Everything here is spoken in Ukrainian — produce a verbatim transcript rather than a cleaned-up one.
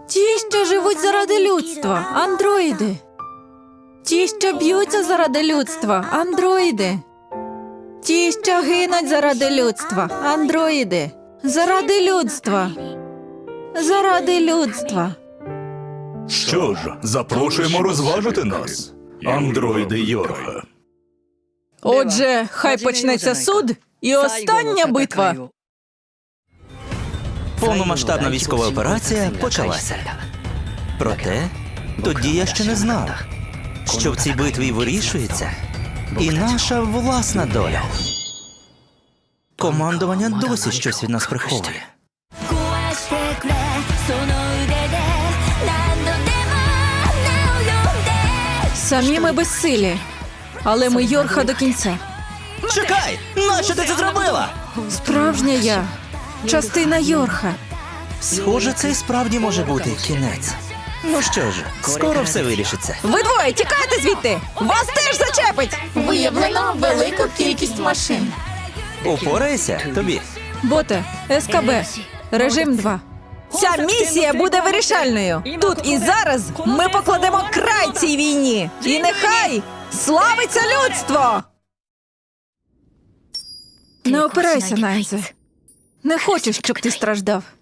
Ті, що живуть заради людства, андроїди. Ті, що б'ються заради людства, андроїди. Ті, що гинуть заради людства, андроїди. Заради людства. Заради людства. Що ж, запрошуємо розважити нас, андроїди Йорга. Отже, хай почнеться суд і остання битва. Повномасштабна військова операція почалася. Проте, тоді я ще не знав, що в цій битві вирішується і наша власна доля. Командування досі щось від нас приховує. Самі ми безсилі, але ми Йорха до кінця. Чекай! Нащо ти це зробила? Справжня я. Частина Йорха. Схоже, це і справді може бути кінець. Ну що ж, скоро все вирішиться. Ви двоє, тікайте звідти! Вас теж зачепить! Виявлено велику кількість машин. Упорайся, тобі. Боте, СКБ, режим два. Ця місія буде вирішальною. Тут і зараз ми покладемо край цій війні. І нехай славиться людство! Не опирайся, Найзе. Не хочу, щоб ти страждав.